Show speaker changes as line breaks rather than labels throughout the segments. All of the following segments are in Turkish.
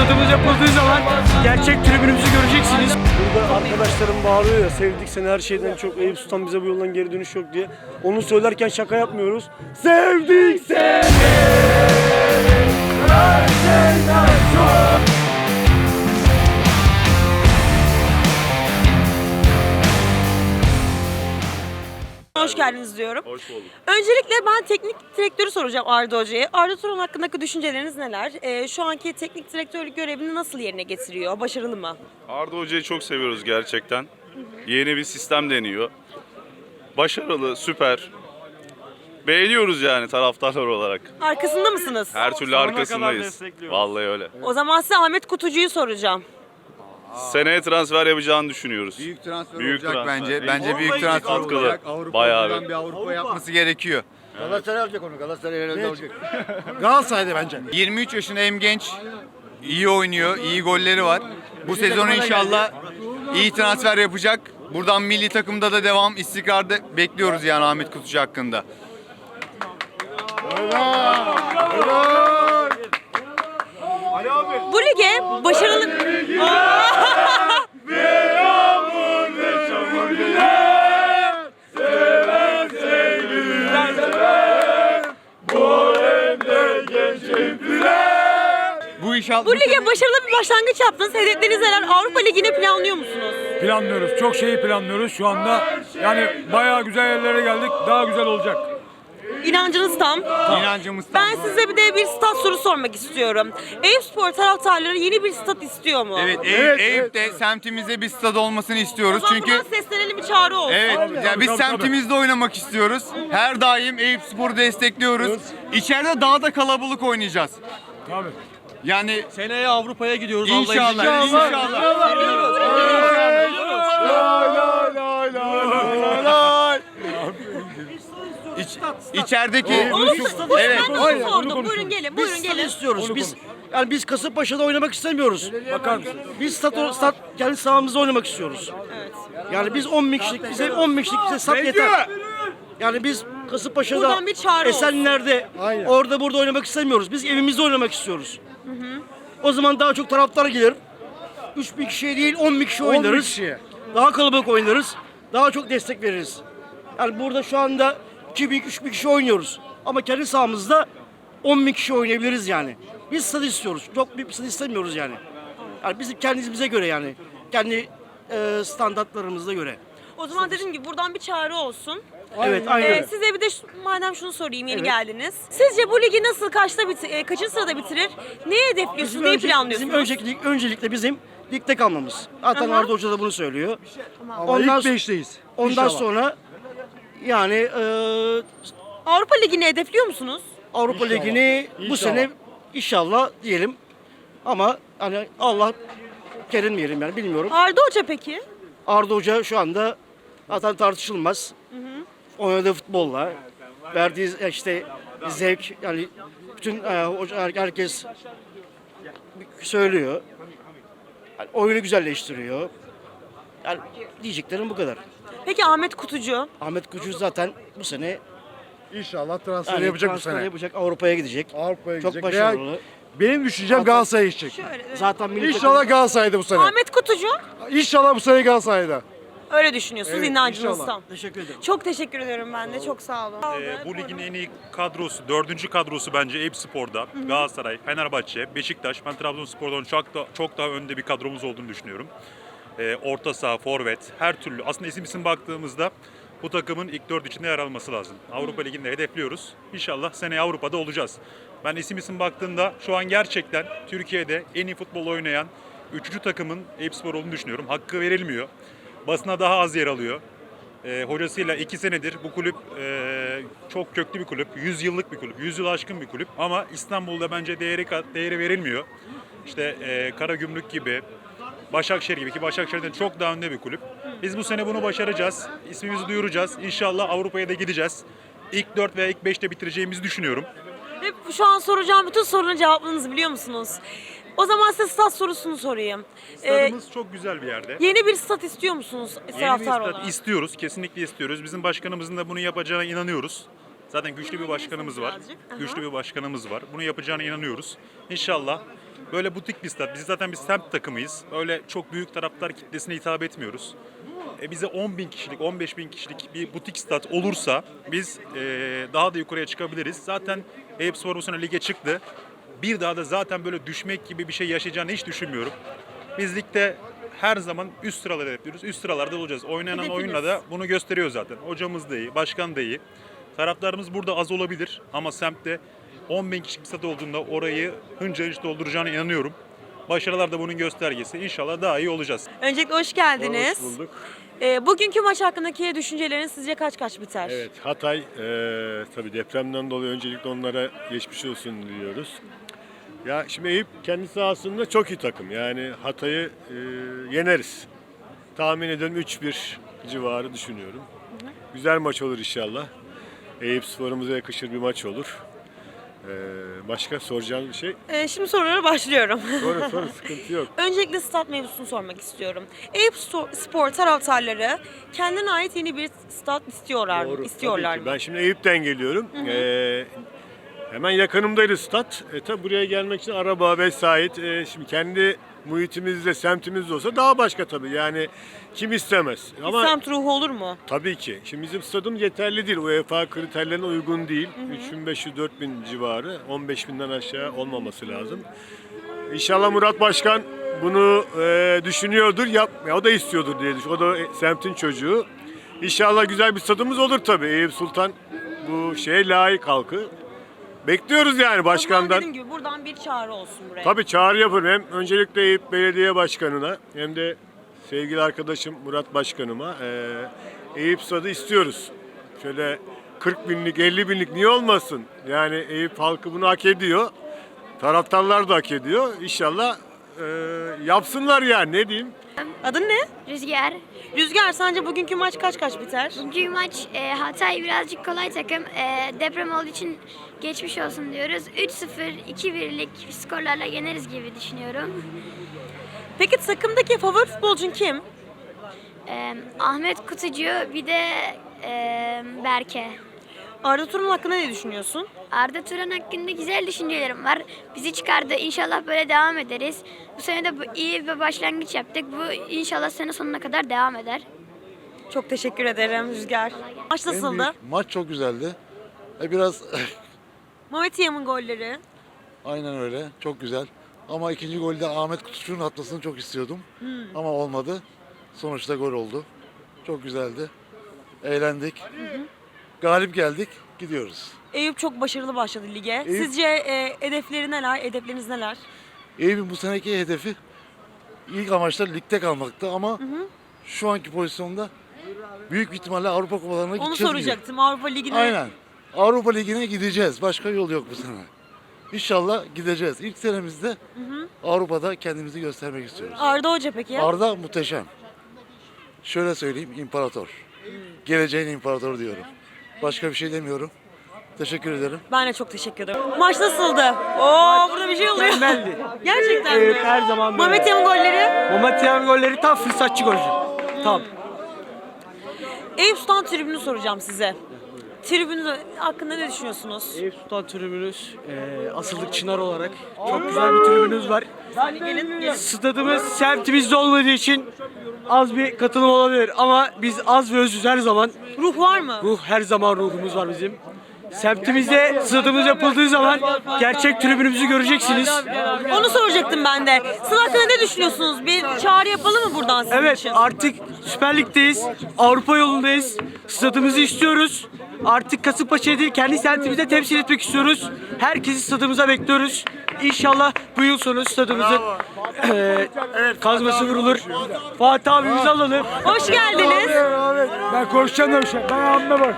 stadımız yapıldığı zaman gerçek tribünümüzü göreceksiniz.
Burada arkadaşlarım bağırıyor ya, sevdik seni her şeyden çok, Eyüp Sultan bize bu yoldan geri dönüş yok diye. Onu söylerken şaka yapmıyoruz. Sevdik seni her şeyden çok.
Hoş geldiniz diyorum.
Hoş bulduk.
Öncelikle ben teknik direktörü soracağım Arda Hoca'ya. Arda Turan hakkındaki düşünceleriniz neler? Şu anki teknik direktörlük görevini nasıl yerine getiriyor? Başarılı mı?
Arda Hoca'yı çok seviyoruz gerçekten. Yeni bir sistem deniyor. Başarılı, süper. Beğeniyoruz yani taraftarlar olarak.
Arkasında mısınız?
Her türlü arkasındayız. Vallahi öyle.
O zaman size Ahmet Kutucu'yu soracağım.
Seneye transfer yapacağını düşünüyoruz.
Büyük transfer
Büyük
olacak
transfer.
bence. Bence büyük transfer
Katkılı.
olacak. Avrupa
Bayağı
buradan bir Avrupa yapması gerekiyor.
Galatasaray alacak onu. Galatasaray herhalde alacak.
Galatasaray'da bence.
23 yaşında hem genç, iyi oynuyor, iyi golleri var. Bu sezon inşallah iyi transfer yapacak. Buradan milli takımda da devam, istikrarda bekliyoruz yani Ahmet Kutucu hakkında.
Bu lige başarılı... Bu lige başarılı bir başlangıç yaptınız. Hedefleriniz neler? Avrupa Ligi'ne planlıyor musunuz?
Planlıyoruz. Çok şeyi planlıyoruz şu anda. Yani bayağı güzel yerlere geldik. Daha güzel olacak.
İnancınız tam.
İnancımız tam.
Ben size bir de bir stat soru sormak istiyorum. Eyüpspor taraftarları yeni bir stat istiyor mu?
Evet, Eyüp'te semtimizde bir stad olmasını
O
istiyoruz.
zaman
Çünkü
buradan seslenelim, bir çağrı olsun.
evet, ya biz
tabii.
semtimizde oynamak istiyoruz. Her daim Eyüpspor'u destekliyoruz. İçeride daha da kalabalık oynayacağız.
Tabii.
Yani
Seneye Avrupa'ya gidiyoruz.
İnşallah, İçerideki
Onun stadı
evet.
ben nasıl sordum? Buyurun gelin, buyurun gelin.
İstiyoruz. Biz Kasımpaşa'da oynamak istemiyoruz.
Bakar mısın?
Biz stat kendi sahamızda oynamak istiyoruz.
Evet.
Yani biz 10 bin kişilik, bize 10 bin kişilik bize stat yeter. Yani biz Kasımpaşa'da,
Buradan bir çağrı olsun.
Esenler'de, orada burada oynamak istemiyoruz. Biz evimizde oynamak istiyoruz. O zaman daha çok taraftar gelir. 3 bin kişiye değil 10 bin kişi oynarız. Daha kalabalık oynarız. Daha çok destek veririz. Yani burada şu anda 2 bin, 3 bin kişi oynuyoruz. Ama kendi sahamızda 10 bin kişi oynayabiliriz yani. Biz stat istiyoruz. Çok büyük bir stat istemiyoruz yani. Yani bizim kendimize göre yani. Kendi standartlarımıza göre.
O zaman dediğim gibi buradan bir çağrı olsun.
Evet, aynen öyle.
Size bir de madem şunu sorayım, yeni
Evet.
geldiniz. Sizce bu ligi nasıl, kaçıncı sırada bitirir? Neyi hedefliyorsunuz, neyi planlıyorsunuz?
Bizim öncelikle bizim ligde kalmamız. Zaten
Aha.
Arda Hoca da bunu söylüyor.
Ama ilk 5'teyiz.
Ondan sonra yani
Avrupa Ligi'ni hedefliyor musunuz?
Avrupa Ligi'ni bu sene inşallah diyelim. Ama hani Allah kerim diyelim yani, bilmiyorum.
Arda Hoca peki?
Arda Hoca şu anda zaten tartışılmaz. Oynadığı futbolla, verdiği işte zevk, yani bütün herkes söylüyor. Yani oyunu güzelleştiriyor. Yani diyeceklerim bu kadar.
Peki Ahmet Kutucu?
Ahmet Kutucu zaten bu sene
İnşallah transfer
yani
yapacak bu
transfer
sene.
yapacak, Avrupa'ya gidecek.
Avrupa'ya
Çok
gidecek.
başarılı.
Benim düşüncem Galatasaray'a gidecek.
Şöyle.
Zaten milli
İnşallah Galatasaray'da bu sene.
Ahmet Kutucu?
İnşallah bu sene Galatasaray'da.
Öyle düşünüyorsunuz,
Evet,
inancınız
inşallah.
tam.
Teşekkür ederim.
Çok teşekkür ediyorum ben de, çok sağ olun.
Bu ligin en iyi kadrosu, dördüncü kadrosu bence Eyüpspor'da. Galatasaray, Fenerbahçe, Beşiktaş. Ben Trabzonspor'dan çok daha önde bir kadromuz olduğunu düşünüyorum. Orta saha, forvet, her türlü. Aslında isim baktığımızda bu takımın ilk 4 içinde yer alması lazım. Avrupa Ligi'nde hedefliyoruz. İnşallah seneye Avrupa'da olacağız. Ben isim baktığımda şu an gerçekten Türkiye'de en iyi futbol oynayan 3. takımın Eyüpspor olduğunu düşünüyorum. Hakkı verilmiyor. Basına daha az yer alıyor. Hocasıyla 2 senedir bu kulüp çok köklü bir kulüp, 100 yıllık bir kulüp, 100 yıl aşkın bir kulüp ama İstanbul'da bence değeri verilmiyor. İşte Karagümrük gibi, Başakşehir gibi, ki Başakşehir'den çok daha önde bir kulüp. Biz bu sene bunu başaracağız, ismimizi duyuracağız. İnşallah Avrupa'ya da gideceğiz. İlk 4 veya ilk 5'te bitireceğimizi düşünüyorum.
Ve şu an soracağım bütün sorunun cevaplarınızı biliyor musunuz? O zaman size stat sorusunu sorayım.
Stadımız çok güzel bir yerde.
Yeni bir stat istiyor musunuz
Yeni bir
taraftar
stat
olarak?
istiyoruz, kesinlikle istiyoruz. Bizim başkanımızın da bunu yapacağına inanıyoruz. Zaten güçlü bir başkanımız var.
Birazcık. Aha.
Güçlü bir başkanımız var. Bunu yapacağına inanıyoruz. İnşallah Böyle butik bir stat. Biz zaten bir semt takımıyız. Öyle çok büyük taraftar kitlesine hitap etmiyoruz. Bize 10.000 kişilik, 15.000 kişilik bir butik stat olursa biz daha da yukarıya çıkabiliriz. Zaten Eyüpspor bu sene lige çıktı. Bir daha da zaten böyle düşmek gibi bir şey yaşayacağını hiç düşünmüyorum. Biz ligde her zaman üst sıraları yapıyoruz. Üst sıralarda olacağız. Oynanan
Hedefiniz.
oyunla da bunu gösteriyor zaten. Hocamız da iyi, başkan da iyi. Taraftarımız burada az olabilir ama semtte 10.000 kişilik bir stat olduğunda orayı hınca hınç dolduracağına inanıyorum. Başarılar da bunun göstergesi. İnşallah daha iyi olacağız.
Öncelikle hoş geldiniz.
Hoş bulduk.
Bugünkü maç hakkındaki düşünceleriniz sizce kaç biter?
Evet, Hatay tabii depremden dolayı öncelikle onlara geçmiş olsun diliyoruz. Ya şimdi Eyüp kendi sahasında çok iyi takım. Yani Hatay'ı yeneriz. Tahmin ediyorum 3-1 civarı düşünüyorum. Güzel maç olur inşallah. Eyüpspor'umuza yakışır bir maç olur. Başka soracağınız bir şey?
Şimdi sorulara başlıyorum.
Sonra sıkıntı yok.
Öncelikle stat mevzusunu sormak istiyorum. Eyüpspor taraftarları kendine ait yeni bir stat istiyorlar
Doğru,
istiyorlar
tabii ki.
mı?
Ben şimdi Eyüp'ten geliyorum. Hemen yakınımdaydı stat. Tabi buraya gelmek için araba vesait. Şimdi kendi muhitimizde, semtimizde olsa daha başka tabii. Yani kim istemez.
Bir semt ruhu olur mu?
Tabii ki. Şimdi bizim stadımız yeterli değil. UEFA kriterlerine uygun değil. 3500-4000 civarı. 15.000'den aşağı olmaması lazım. İnşallah Murat Başkan bunu düşünüyordur. O da istiyordur diye düşünüyorum. O da semtin çocuğu. İnşallah güzel bir stadımız olur tabii. Eyüp Sultan bu şeye layık halkı. Bekliyoruz yani
O zaman
başkandan.
dediğim gibi buradan bir çağrı olsun buraya.
Tabii çağrı yaparım. Hem öncelikle Eyüp Belediye Başkanı'na hem de sevgili arkadaşım Murat Başkanıma Eyüp stadı istiyoruz. Şöyle 40 binlik, 50 binlik niye olmasın? Yani Eyüp halkı bunu hak ediyor. Taraftarlar da hak ediyor. İnşallah yapsınlar yani ne diyeyim.
Adın ne?
Rüzgar.
Rüzgar, sence bugünkü maç kaç biter?
Bugünkü maç Hatay birazcık kolay takım. Deprem olduğu için geçmiş olsun diyoruz. 3-0, 2-1'lik skorlarla yeneriz gibi düşünüyorum.
Peki takımdaki favori futbolcun kim?
Ahmet Kutucu bir de Berke.
Arda Turan hakkında ne düşünüyorsun?
Arda Turan hakkında güzel düşüncelerim var. Bizi çıkardı. İnşallah böyle devam ederiz. Bu sene de iyi bir başlangıç yaptık. Bu inşallah sene sonuna kadar devam eder.
Çok teşekkür ederim Rüzgar. Maç nasıldı?
Maç çok güzeldi. Biraz
Mehmet Yam'ın golleri.
aynen öyle. Çok güzel. Ama ikinci golde Ahmet Kutucu'nun atmasını çok istiyordum. Ama olmadı. Sonuçta gol oldu. Çok güzeldi. Eğlendik. Galip geldik. Gidiyoruz.
Eyüp çok başarılı başladı lige.
Eyüp-
Sizce hedefleriniz neler?
Eyüp'ün bu seneki hedefi ilk amaçlar ligde kalmaktı ama şu anki pozisyonda büyük bir ihtimalle Avrupa kupalarına
Onu
gideceğiz. gibi.
soracaktım. Avrupa Ligi'ne
Aynen. Avrupa Ligi'ne gideceğiz. Başka yol yok bu sene. İnşallah gideceğiz. İlk senemizde Avrupa'da kendimizi göstermek istiyoruz.
Arda Hoca peki?
Arda muhteşem. Şöyle söyleyeyim, imparator. Geleceğin imparatoru diyorum. Başka bir şey demiyorum. Teşekkür ederim.
Ben de çok teşekkür ederim. Maç nasıldı? Oo, burada bir şey oluyor.
Mükemmeldi.
Gerçekten mi?
Evet, her zaman böyle.
Mehmet Yam'ın golleri.
Mehmet Yam golleri tam fırsatçı golcü. Tam.
Eyüp Sultan tribünü soracağım size. Tribünü hakkında ne düşünüyorsunuz?
Eyüp Sultan tribünümüz asıllık Çınar olarak çok güzel bir tribünümüz var.
Gelin.
Stadımız semtimizde olmadığı için az bir katılım olabilir ama biz az ve özüz her zaman.
Ruh var mı?
Ruh her zaman ruhumuz var bizim. Semtimizde stadımız yapıldığı zaman gerçek tribünümüzü göreceksiniz.
Onu soracaktım ben de. Sizin hakkında ne düşünüyorsunuz? Bir çağrı yapalım mı buradan sizin
Evet,
için?
artık Süper Lig'deyiz. Avrupa yolundayız. Stadımızı istiyoruz. Artık Kasımpaşa'yı değil kendi semtimizde temsil etmek istiyoruz. Herkesi stadımıza bekliyoruz. İnşallah bu yıl sonu stadımızın kazması vurulur. Fatih abimizi alalım.
Hoş geldiniz.
Ben konuşacağım da bir şey. Ben abime bak.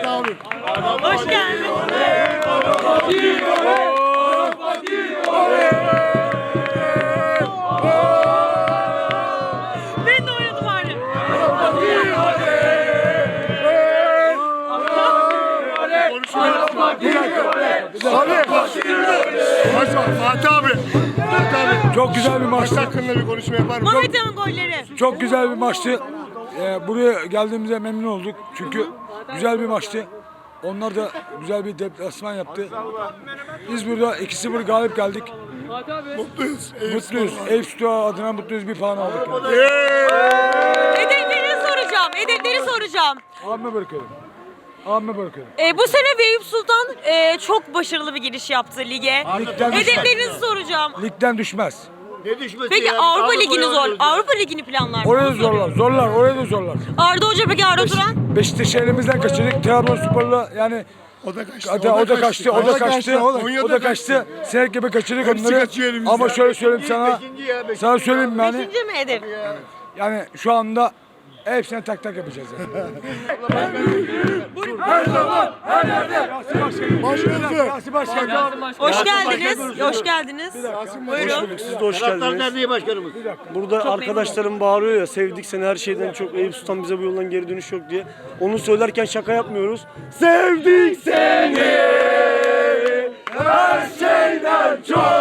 Hoş geldiniz. Ben de oynadım bari.
Fatih abi.
Çok güzel bir maçtı.
Hakkında bir konuşma yapar mısın?
Mehmet Yam'ın golleri.
Çok güzel bir maçtı. Buraya geldiğimize memnun olduk. Çünkü güzel bir maçtı. Onlar da güzel bir deplasman yaptı. Biz burada 2-0 galip geldik. Mutluyuz. Eyüp Spor adına mutluyuz. Bir puan aldık.
Hedefleri soracağım. Hedefleri soracağım.
Abime bırakıyorum. Abime bırakıyorum.
Bu sene Eyüp Sultan çok başarılı bir giriş yaptı lige.
Ligden düşmez.
Hedeflerinizi soracağım.
Ligden düşmez.
Ne düşmesi
Peki
ya?
Avrupa Ligi'ni
oynuyoruz ya.
Avrupa Ligi'ni planlar mı?
Oraya da
Onu soruyorum.
zorlar. Zorlar. Oraya da zorlar.
Arda Hoca peki Arda Turan?
Beşiktaş'ı elimizden kaçırdık. Trabzonspor'la yani
O da kaçtı.
o da kaçtı. Sinek gibi kaçırdık onları. Ama şöyle söyleyeyim sana. Sana söyleyeyim mi yani?
Beşinci mi hedef?
Yani şu anda hepsine tak tak yapacağız yani.
Hoş geldiniz. Hoş geldiniz. Buyurun.
Siz de hoş geldiniz. Nerede başkanımız? Burada arkadaşlarım bağırıyor ya, sevdik seni her şeyden çok, Eyüp Sultan bize bu yoldan geri dönüş yok diye. Onu söylerken şaka yapmıyoruz. Sevdik seni her şeyden çok.